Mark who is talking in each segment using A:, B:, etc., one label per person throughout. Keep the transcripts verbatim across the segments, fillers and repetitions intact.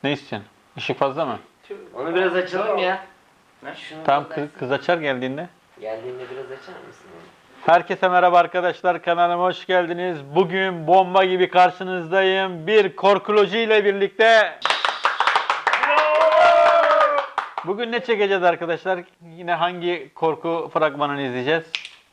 A: Ne istiyorsun? Işık fazla mı?
B: Onu biraz açalım ya. Şunu
A: Tamam,
B: kapatsın.
A: kız, kız açar geldiğinde.
B: Geldiğinde biraz açar mısın onu?
A: Herkese merhaba arkadaşlar, kanalıma hoş geldiniz. Bugün bomba gibi karşınızdayım. Bir korkoloji ile birlikte. Bugün ne çekeceğiz arkadaşlar? Yine hangi korku fragmanını izleyeceğiz?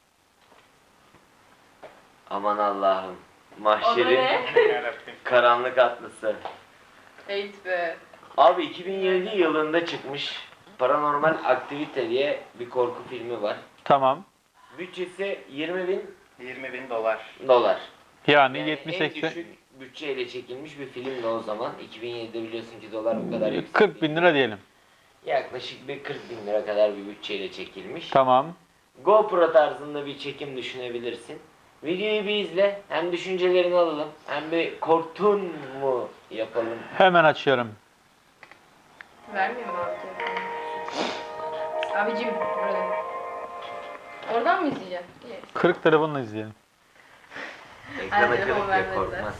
B: Aman Allah'ım.
C: O da
B: Mahşerin
C: ne?
B: karanlık atlısı.
C: Eğit be.
B: Abi iki bin yedi yılında çıkmış Paranormal Aktivite diye bir korku filmi var.
A: Tamam.
B: Bütçesi yirmi bin
D: yirmi bin dolar.
B: dolar.
A: Yani,
B: Yani
A: yetmiş
B: en
A: seksen
B: düşük bütçeyle çekilmiş bir filmdi o zaman. iki bin yedide biliyorsun ki dolar bu kadar yüksek.
A: kırk bin lira diyelim.
B: Yaklaşık bir kırk bin lira kadar bir bütçeyle çekilmiş.
A: Tamam.
B: GoPro tarzında bir çekim düşünebilirsin. Videoyu bir izle, hem düşüncelerini alalım, hem bir korktun mu yapalım.
A: Hemen açıyorum.
C: Vermiyor mu abi telefonu? Abicim burada. Oradan mı izleyeceksin? İyi.
A: kırk telefonla izleyelim.
B: Ekrana
C: Hadi,
B: kırık
C: o
B: ya,
C: vermediler.
B: korkmaz.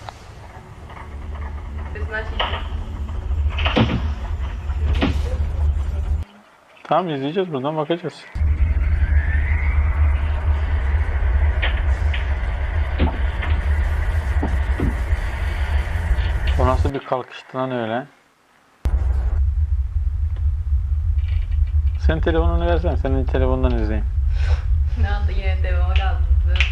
C: Sesini aç iyice.
A: Tamam, izleyeceğiz, buradan bakacağız. O nasıl bir kalkıştı lan öyle? Sen telefonunu versen, senin telefonundan izleyeyim.
C: Ne oldu yine devama kaldı.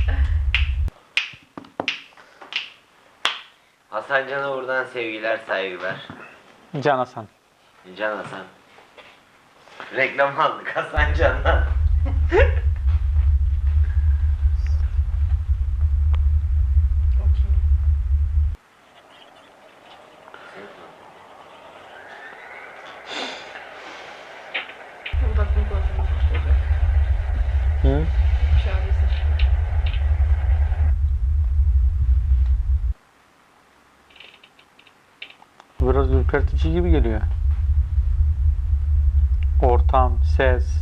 B: Hasan Can'a buradan sevgiler, saygılar.
A: Can Hasan.
B: Can Hasan. Reklam aldık Hasan Can'dan.
C: O kim? Bak bunu konuşalım.
A: Hı?
C: Şu an bizi.
A: Biraz ürpertici gibi geliyor. Ortam, ses.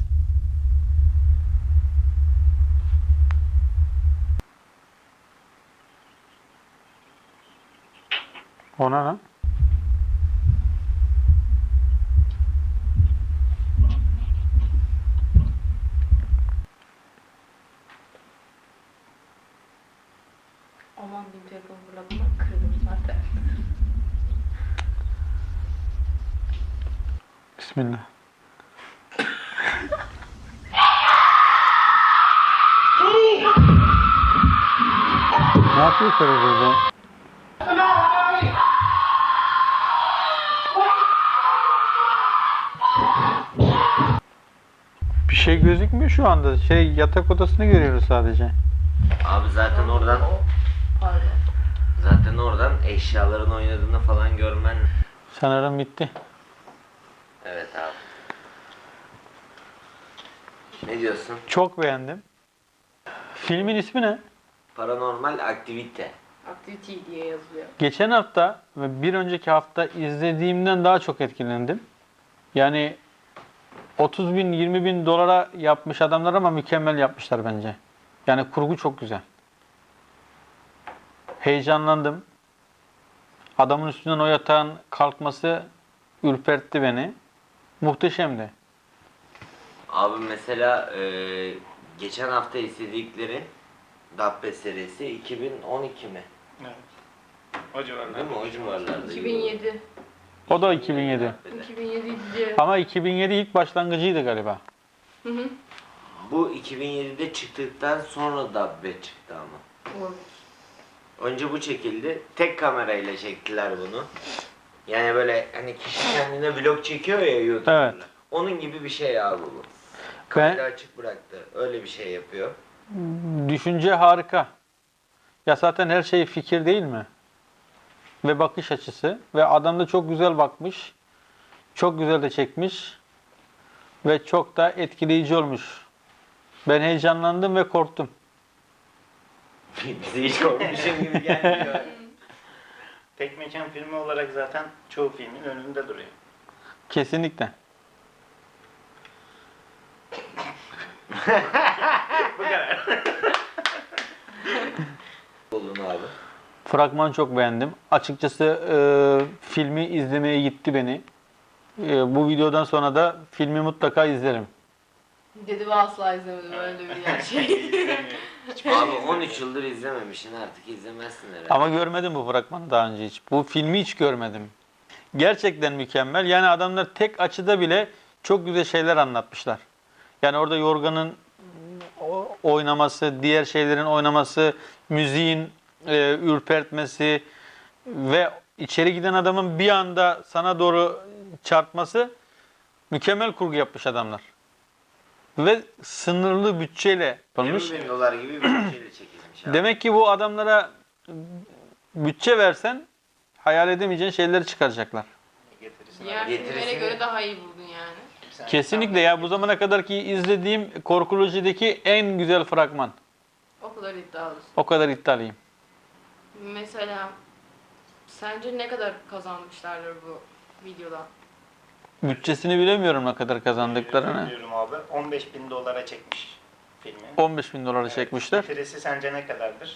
A: Ona ne?
C: Aman benim telefonu fırladım. Kırdım zaten.
A: Bismillah. Ne yapıyor karı burada? Bir şey gözükmüyor şu anda. Şey, yatak odasını görüyoruz sadece.
B: Abi zaten oradan
C: O- Pardon.
B: zaten oradan eşyaların oynadığını falan görmen.
A: Sanırım bitti.
B: Evet abi. Ne diyorsun?
A: Çok beğendim. Filmin ismi ne?
B: Paranormal Aktivite.
C: Activity diye yazılıyor.
A: Geçen hafta ve bir önceki hafta izlediğimden daha çok etkilendim. Yani otuz bin yirmi bin dolara yapmış adamlar ama mükemmel yapmışlar bence. Yani kurgu çok güzel. Heyecanlandım. Adamın üstünden o yatağın kalkması ürpertti beni. Muhteşemdi.
B: Abi mesela e, geçen hafta izledikleri Dabbe serisi iki bin on iki mi?
D: Evet. O civarlarda.
B: Değil mi? O civarlarda.
C: iki bin yedi.
A: O da iki bin yedi.
B: Dabbe'de.
C: iki bin yedi diye.
A: Ama iki bin yedi ilk başlangıcıydı galiba.
C: Hı hı.
B: Bu iki bin yedide çıktıktan sonra Dabbe çıktı ama.
C: Olabilir.
B: Önce bu çekildi. Tek kamerayla çektiler bunu. Yani böyle hani kişi kendine vlog çekiyor ya YouTube'da.
A: Evet.
B: Onun gibi bir şey abi bu.
A: Ben,
B: Kamera açık bıraktı. Öyle bir şey yapıyor.
A: düşünce harika. Ya zaten her şey fikir değil mi? Ve bakış açısı. Ve adam da çok güzel bakmış. Çok güzel de çekmiş. Ve çok da etkileyici olmuş. Ben heyecanlandım ve korktum.
B: Bize hiç korkmuşum gibi gelmiyor.
D: Tek mekan filmi olarak zaten çoğu filmin önünde duruyor.
A: Kesinlikle.
D: Bu kadar.
B: Olun abi.
A: Fragmanı çok beğendim. Açıkçası e, filmi izlemeye gitti beni. E, bu videodan sonra da filmi mutlaka izlerim.
C: Dedi ve asla izlemedim öyle bir gerçeği.
D: İzlemiyorum.
B: Abi on üç yıldır izlememişsin, artık izlemezsin herhalde.
A: Ama görmedim bu fragmanı daha önce hiç. Bu filmi hiç görmedim. Gerçekten mükemmel. Yani adamlar tek açıda bile çok güzel şeyler anlatmışlar. Yani orada Yorgan'ın o- oynaması, diğer şeylerin oynaması, müziğin e, ürpertmesi ve içeri giden adamın bir anda sana doğru çarpması, mükemmel kurgu yapmış adamlar. Ve sınırlı bütçeyle yapılmış.
B: yirmi bin dolar gibi bir bütçeyle çekilmiş abi.
A: Demek ki bu adamlara bütçe versen hayal edemeyeceğin şeyleri çıkaracaklar.
D: Getirisini
C: Diğer
B: Getirisini-
C: filmlere göre daha iyi buldun yani.
D: Sen-
A: Kesinlikle ya, bu zamana kadar ki izlediğim korkulojideki en güzel fragman.
C: O kadar iddialısın.
A: O kadar iddialıyım.
C: Mesela sence ne kadar kazanmışlardır bu videodan?
A: Bütçesini bilemiyorum ne kadar kazandıklarını.
D: Biliyorum abi. on beş bin dolara çekmiş filmi.
A: on beş bin dolara
D: Evet.
A: çekmişler.
D: Getirisi sence ne kadardır?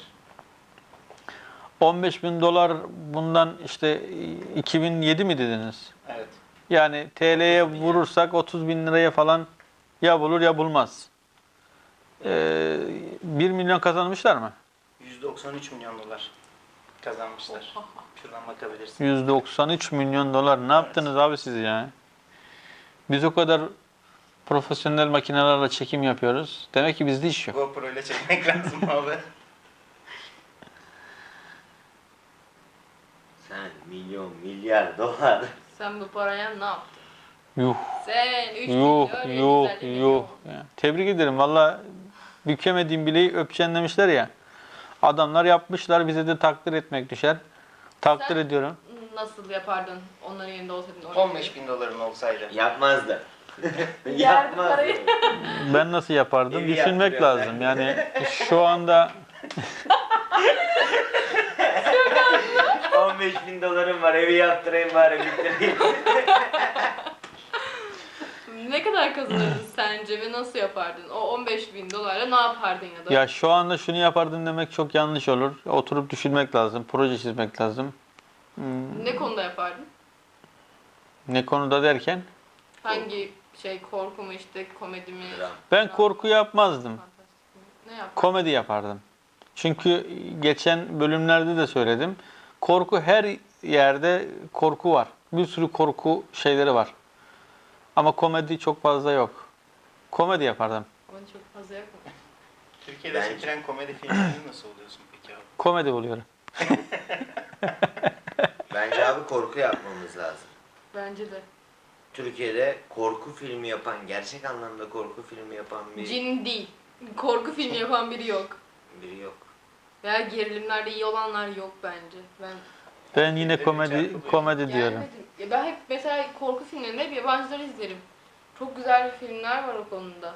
A: on beş bin dolar bundan işte iki bin yedi mi dediniz?
D: Evet.
A: Yani T L'ye vurursak otuz bin liraya falan ya bulur ya bulmaz. Ee, bir milyon kazanmışlar mı?
D: yüz doksan üç milyon dolar kazanmışlar. Şuradan bakabilirsin.
A: yüz doksan üç milyon dolar. Ne yaptınız abi siz ya? Biz o kadar profesyonel makinelerle çekim yapıyoruz. Demek ki bizde iş yok.
D: GoPro ile çekmek lazım abi.
B: Sen milyon, milyar dolar.
C: Sen bu paraya ne yaptın?
A: Yuh,
C: Sen üç
A: yuh,
C: milyon,
A: yuh,
C: yüz elli
A: yuh.
C: milyon.
A: Ya, tebrik ederim. Valla bükemediğim bileği öpeceksin demişler ya. Adamlar yapmışlar. Bize de takdir etmek düşer. Takdir
C: Sen-
A: ediyorum.
C: Nasıl yapardın onların yerinde olsaydın? oraya
D: on beş bin doların olsaydı.
B: Yapmazdı.
C: Yerdi parayı.
A: Ben nasıl yapardım?
B: Evi
A: Düşünmek
B: yaptırıyorlar.
A: lazım. Yani şu anda
B: on beş bin dolarım var, evi yaptırayım bari, bitireyim.
C: Ne kadar kazanırdın sence ve nasıl yapardın? O on beş bin dolarla ne yapardın ya da?
A: ya şu anda şunu yapardım demek çok yanlış olur. Oturup düşünmek lazım. Proje çizmek lazım. Hmm,
C: Ne konuda yapardın?
A: ne konuda derken?
C: Hangi şey, korku mu işte, komedi mi?
B: Dram.
A: Ben korku yapmazdım.
C: Fantastik mi? Ne yapardın?
A: Komedi yapardım. Çünkü geçen bölümlerde de söyledim. Korku, her yerde korku var. Bir sürü korku şeyleri var. Ama komedi çok fazla yok. Komedi yapardım.
C: Onu çok fazla yapma.
D: Türkiye'de
B: Bence-
D: çekilen komedi filmlerini nasıl oluyorsun peki abi?
A: Komedi buluyorum.
B: Bence abi korku yapmamız lazım.
C: Bence de.
B: Türkiye'de korku filmi yapan, gerçek anlamda korku filmi yapan bir
C: Cin değil. Korku filmi yapan biri yok.
B: biri yok.
C: Veya gerilimlerde iyi olanlar yok bence. Ben
A: Ben yine
D: Filmleri
A: komedi
D: çarpılıyor.
A: komedi diyorum.
C: gelmedim. Ya ben hep mesela korku filmlerinde hep yabancıları izlerim. Çok güzel filmler var o konuda.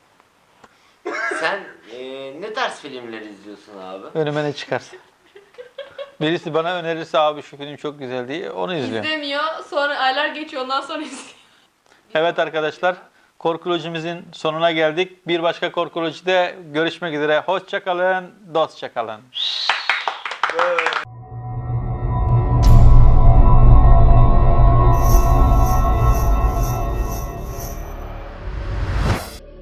B: Sen eee, ne tarz filmler izliyorsun abi?
A: Önüme ne çıkarsa. Birisi bana önerirse abi şu film çok güzel diye onu izliyorum.
C: İzlemiyor, sonra aylar geçiyor, ondan sonra izliyor.
A: Evet arkadaşlar, korkulojimizin sonuna geldik. Bir başka korkulojide görüşmek üzere. Hoşça kalın, dostça kalın.
B: Böyle.